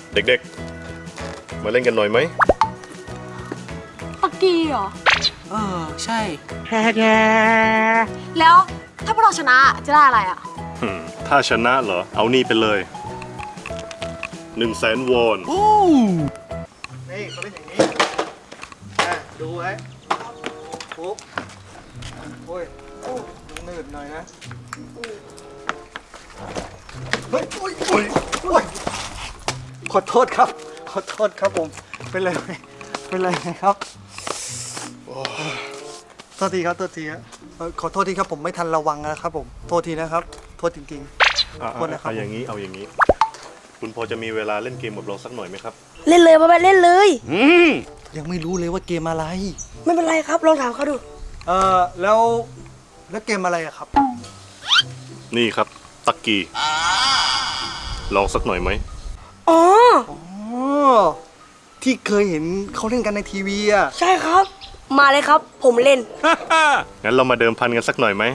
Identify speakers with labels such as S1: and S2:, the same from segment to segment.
S1: เด็กๆมาเล่นกันหน่อยไหม
S2: ปักกี้เหรอ
S3: ใช่
S2: แล้วถ้าพวกเราชนะจะได้อะไรอ่ะ
S1: ถ้าชนะเหรอเอานี่ไปเลย100,000 วอน
S4: นี่เขาเล่นอย่างนี้ดูไว้ปุ๊บโอ้ยหนืดหน่อยนะเฮ้ยโอ้ยขอโทษครับขอโทษครับผมเป็นไรไหมครับโทษทีครับโทษทีครับขอโทษทีครับผมไม่ทันระวังนะครับผมโทษทีนะครับโทษจริงๆโทษนะครับ
S1: เอาอย่างนี้คุณพอจะมีเวลาเล่นเกมกับเราสักหน่อยไหมครับ
S5: เล่นเลยพ่อแม่เล่นเลย
S4: ยังไม่รู้เลยว่าเกมอะไร
S5: ไม่เป็นไรครับลองถามเขาดู
S4: แล้วเกมอะไรอะครับ
S1: นี่ครับตักกี้ลองสักหน่อยไหม
S5: อ๋อ
S4: ที่เคยเห็นเขาเล่นกันในทีวีอะ
S5: ใช่ครับมาเลยครับผมเล่น
S1: งั้นเรามาเดิมพันกันสักหน่อยไหม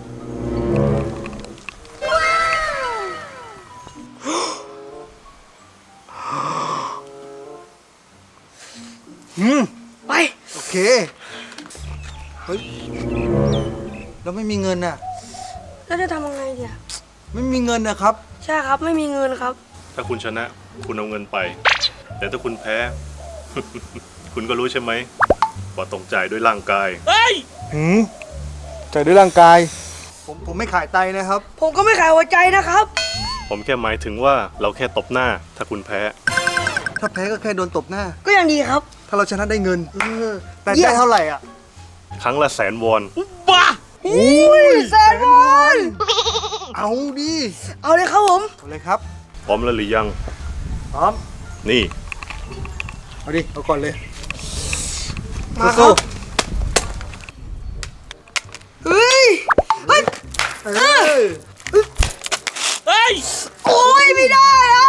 S5: ไป
S4: โอเคเฮ้ยเราไม่มีเงินน่ะ
S5: แล้วจะทำยังไงเนี่ย
S4: ไม่มีเงินนะครับ
S5: ใช่ครับไม่มีเงินครับ
S1: ถ้าคุณชนะคุณเอาเงินไปแต่ถ้าคุณแพ้ คุณก็รู้ใช่ไหมว่าต้องจ่ายด้วยร่างกาย
S4: จ่ายด้วยร่างกายผมไม่ขายไตนะครับ
S5: ผมก็ไม่ขายหัวใจนะครับ
S1: ผมแค่หมายถึงว่าเราแค่ตบหน้าถ้าคุณแพ้
S4: ถ้าแพ้ก็แค่โดนตบหน้า
S5: ก็ยังดีครับ
S4: ถ้าเราชนะได้เงินแต่ได้เท่าไหร่อ่ะ
S1: ครั้งละ100,000 วอน
S5: บ้า100,000 วอน
S4: เอาดิ
S5: เอาเลยครับผม
S4: เอาเลยครับ
S1: พร้อมแล้วหรือยัง
S4: พร้อม
S1: นี่
S4: เอาดิเอาก่อนเลย
S5: มาครับเฮ้ยเฮ้ยโอ้ยไม่ได้อะ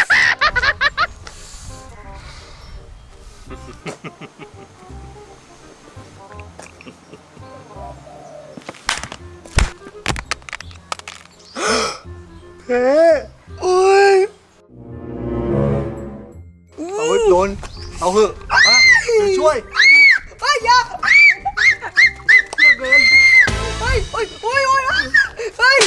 S4: เฮ้โอ้ยเอาไว้โดนเอาเหอะมาช่วย
S5: เฮ้ยอย่า
S4: เกิน
S5: เฮ้ยเฮ้ยเฮ้ยเฮ้ยเฮ้ย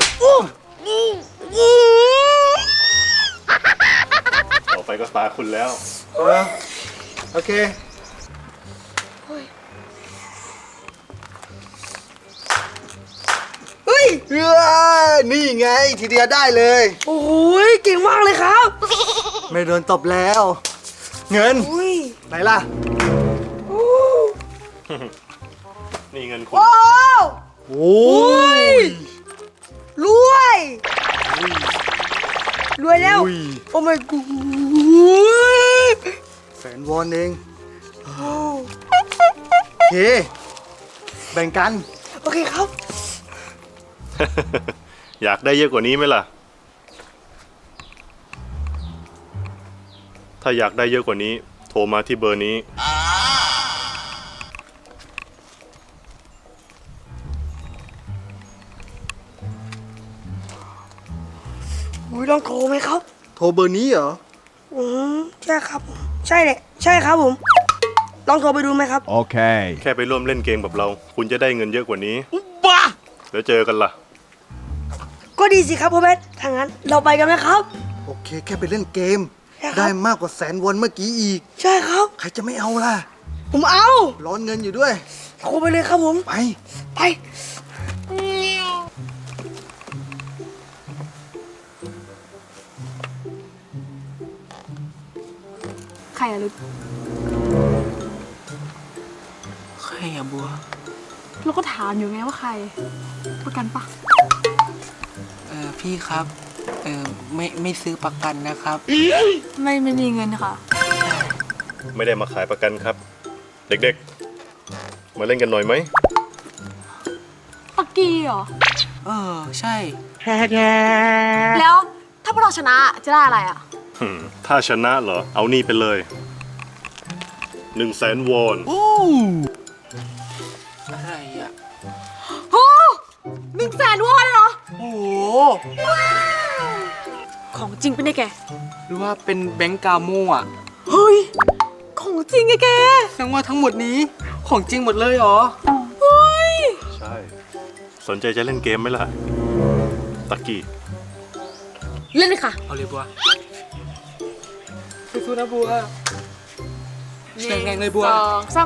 S1: ต่อไปก็ตาคุณแล้ว
S4: โอเค
S5: เฮ้ย
S4: นี่ไงทีเดียวได้เลย
S5: โอ้ยเก่งมากเลยครับ
S4: ไม่โดนตบแล้วเงินไหนล่ะ
S1: นี่เงินคุณ
S5: โอ้ยรวยแล้วโอ้ my god
S4: 100,000 วอนเองโอเคแบ่งกัน
S5: โอเคครับ
S1: อยากได้เยอะกว่านี้ไหมล่ะถ้าอยากได้เยอะกว่านี้โทรมาที่เบอร์นี้
S5: ลองโทรไหมครับ
S4: โทรเบอร์นี้เหรอ
S5: ใช่ครับใช่เลยใช่ครับผมลองโทรไปดูไหมครับ
S1: โอเคแค่ไปร่วมเล่นเกมกับเราคุณจะได้เงินเยอะกว่านี้บ้าแล้วเจอกันล่ะ
S5: ก็ดีสิครับพ่อแม่ถ้างั้นเราไปกันไหมครับ
S4: โอเคแค่ไปเล่นเกมได้มากกว่า100,000 วอนเมื่อกี้อีก
S5: ใช่ครับ
S4: ใครจะไม่เอาล่ะ
S5: ผมเอา
S4: ร้อนเงินอยู่ด้วย
S5: โทรไปเลยครับผมไป
S2: ใครอะลึก
S3: ใครอะบัว
S2: เราก็ถามอยู่ไงว่าใครประกันปะ
S3: พี่ครับไม่ซื้อประกันนะครับ
S2: ไม่มีเงินค่ะ
S1: ไม่ได้มาขายประกันครับเด็กๆมาเล่นกันหน่อยไหม
S2: ปักกี้เหรอ
S3: ใช่
S2: แล้วถ้าพวกเราชนะจะได้อะไรอ่ะ
S1: ถ้าชนะเหรอเอานี่ไปเลย100,000 วอน
S3: อะไรอ่ะ
S2: โอ้100,000 วอนเหรอ
S5: โอ้
S2: ของจริงเป็นไงแก
S3: รือว่าเป็นแบงก์กาโมอ่ะ
S2: เฮ้ย ของจริงไงแก
S3: แสดงว่าทั้งหมดนี้ของจริงหมดเลยเหรอ
S2: เฮ้ย
S1: ใช่ สนใจจะเล่นเกมไหมล่ะ ตักกี้
S2: เล่นเลยค่ะ
S3: เอาเลยบัวสู้ๆนะบัวแรงๆเลยบัว
S2: 2 3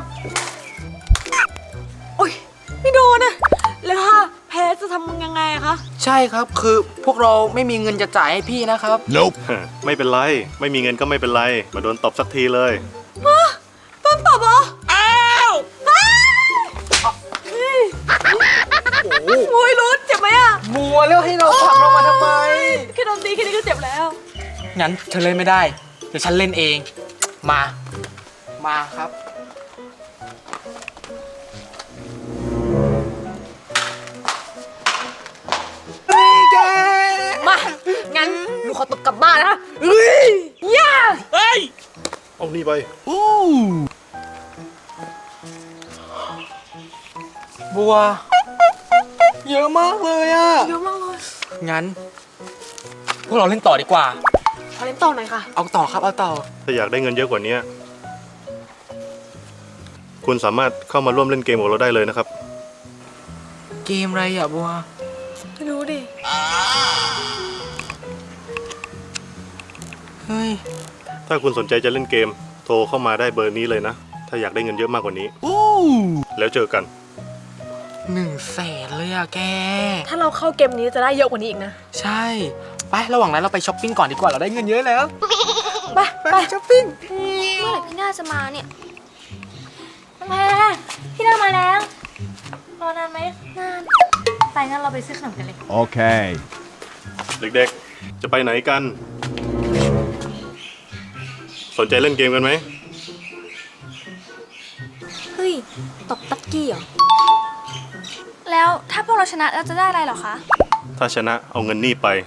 S2: โอ้ย ไม่โดนอะแล้วถ้าแพ้จะทำยังไงอะคะ
S3: ใช่ครับคือพวกเราไม่มีเงินจะจ่ายให้พี่นะครับ
S1: ไม่เป็นไร ไม่มีเงินก็ไม่เป็นไร มาโดนตบสักทีเลย
S2: ต้นตบเหรอ อ้าว โอ้ยรุดเจ็บไหมอะ
S3: บัวแล้วให้เราผลักเรามาทำไม
S2: แค่โดนตีแค่นี้ก็เจ็บแล้ว
S3: งั้นเธอเล่นไม่ได้ เดี๋ยวฉันเล่นเอง มาครับ
S2: มา งั้นหนูขอตบกลับบ้านนะเฮ้ยย่า
S1: เอานี่ไป
S3: บัว เยอะมากเลยอะ
S2: เยอะมากเลย
S3: งั้น พวกเราเล่นต่อดีกว่า
S2: ขอเล่นต่อหน่อยค่ะ
S3: เอาต่อครับเอาต่อ
S1: ถ้าอยากได้เงินเยอะกว่านี้ คุณสามารถเข้ามาร่วมเล่นเกมกับเราได้เลยนะครับ
S3: เกมอะไรอะบัว
S2: ไม่รู้ดิ
S3: เฮ้ย
S1: ถ้าคุณสนใจจะเล่นเกม โทรเข้ามาได้เบอร์นี้เลยนะ ถ้าอยากได้เงินเยอะมากกว่านี้ แล้วเจอกัน
S3: 100,000เลยอะแก
S2: ถ้าเราเข้าเกมนี้จะได้เยอะกว่านี้อีกนะ
S3: ใช่ ไประหว่างนั้นเราไปช้อปปิ้งก่อนดีกว่าเราได้เงินเยอะแล้ว
S2: ไป ไปช้อปปิ้ง
S6: เมื่อไหร่พี่น่าจะมาเนี่ยแม่พี่น่ามาแล้ว รอนานไหมนาน ไปงั้นเราไปซื้อขนมกันเลย
S7: Okay.
S1: เด็กๆ จะไปไหนกัน สนใจเล่นเกมกันไหม
S6: เฮ้ย ตบตักกี้เหรอ แล้วถ้าพวกเราชนะเราจะได้อะไรเหรอคะ
S1: ถ้าชนะเอาเงินนี่ไป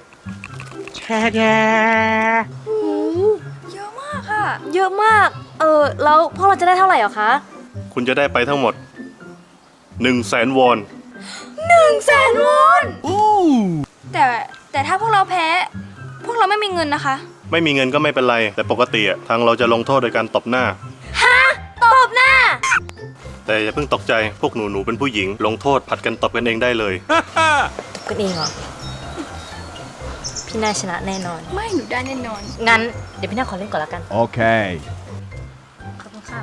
S6: เยอะมากค่ะ เยอะมาก แล้วพวกเราจะได้เท่าไหร่เหรอคะ
S1: คุณจะได้ไปทั้งหมด 100,000 วอน
S6: 100,000 วอนแต่ถ้าพวกเราแพ้ พวกเราไม่มีเงินนะคะ
S1: ไม่มีเงินก็ไม่เป็นไร แต่ปกติอะทางเราจะลงโทษโดยการตบหน้า
S6: ตบหน้า
S1: แต่อย่าเพิ่งตกใจ พวกหนูเป็นผู้หญิง ลงโทษผัดกันตบกันเองได้เลย
S6: กันเองเหรอ พี่น่าชนะแน่นอน
S8: ไม่หนูได้แน่นอน
S6: งั้นเดี๋ยวพี่น่าขอเล่นก่อนละกัน
S7: Okay.
S6: ขอบคุณค่ะ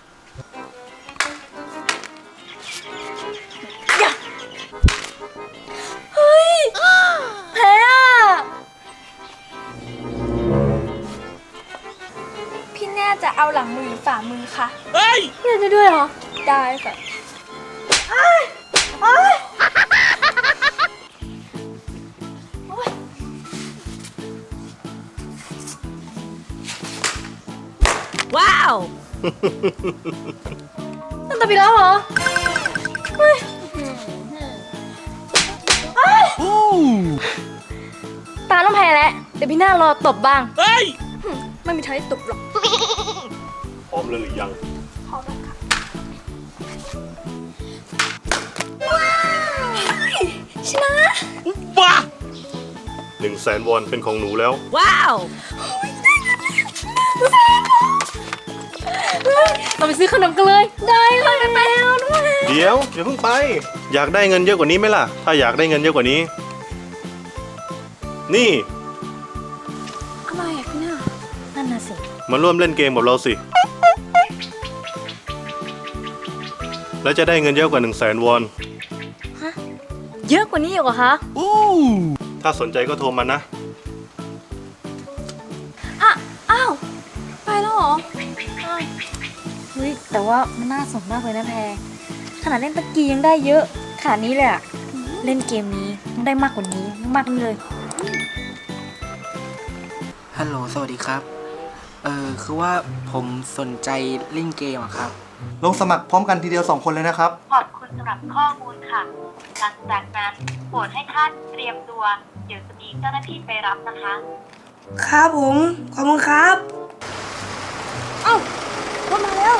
S6: เฮ้ย แพ้อะพี่แน่จะเอาหลังมือหรือฝ่ามือคะเฮ้ยพี่แน่จะด้วยเหรอ ได้ค่ะว้าวนั่นตบอีกแล้วเหรอเฮ้ยตาต้องแพ้แล้ว เดี๋ยวพี่หน้ารอตบบ้าง เฮ้ย ไม่มีทางได้ตบหรอก
S1: พร้อมเลยหรือยัง
S6: พอแล้วค่ะชนะ
S1: 100,000 วอนเป็นของหนูแล้ว
S2: ว้าวเราไปซื้อขนมกันเลย
S6: ได้เลยไปแล้วด้วย
S1: เดี๋ยวอย่าเพิ่งไป อยากได้เงินเยอะกว่านี้ไหมล่ะ ถ้าอยากได้เงินเยอะกว่านี้ นี่
S6: อะไรอ่ะพี่หน้านั่นน่ะสิ
S1: มาร่วมเล่นเกมกับเราสิ แล้วจะได้เงินเยอะกว่า 100,000 วอน
S6: เยอะกว่านี้อีกเหรอคะ
S1: ถ้าสนใจก็โทรมานะ
S6: อ้าว ไปแล้วเหรออ้าวเฮ้ย แต่ว่ามันน่าสนมากเลยนะแพร ขนาดเล่นตะกี้ยังได้เยอะขนาดนี้เลยอะเล่นเกมนี้ต้องได้มากกว่านี้มากๆเลย
S3: ฮัลโหล สวัสดีครับ คือว่าผมสนใจเล่นเกมอะครับ
S4: ลงสมัครพร้อมกันทีเดียว 2 คนเลยนะครับ
S9: ขอบคุณสำหรับข้อมูลค่ะ หลังจากนั้นโปรดให้ท่านเตรียมตัว เดี๋ยวจะมีเจ้าหน้าที่ไปรับนะคะ
S5: ครับผม ขอบคุณครับ
S6: รถมาแล้ว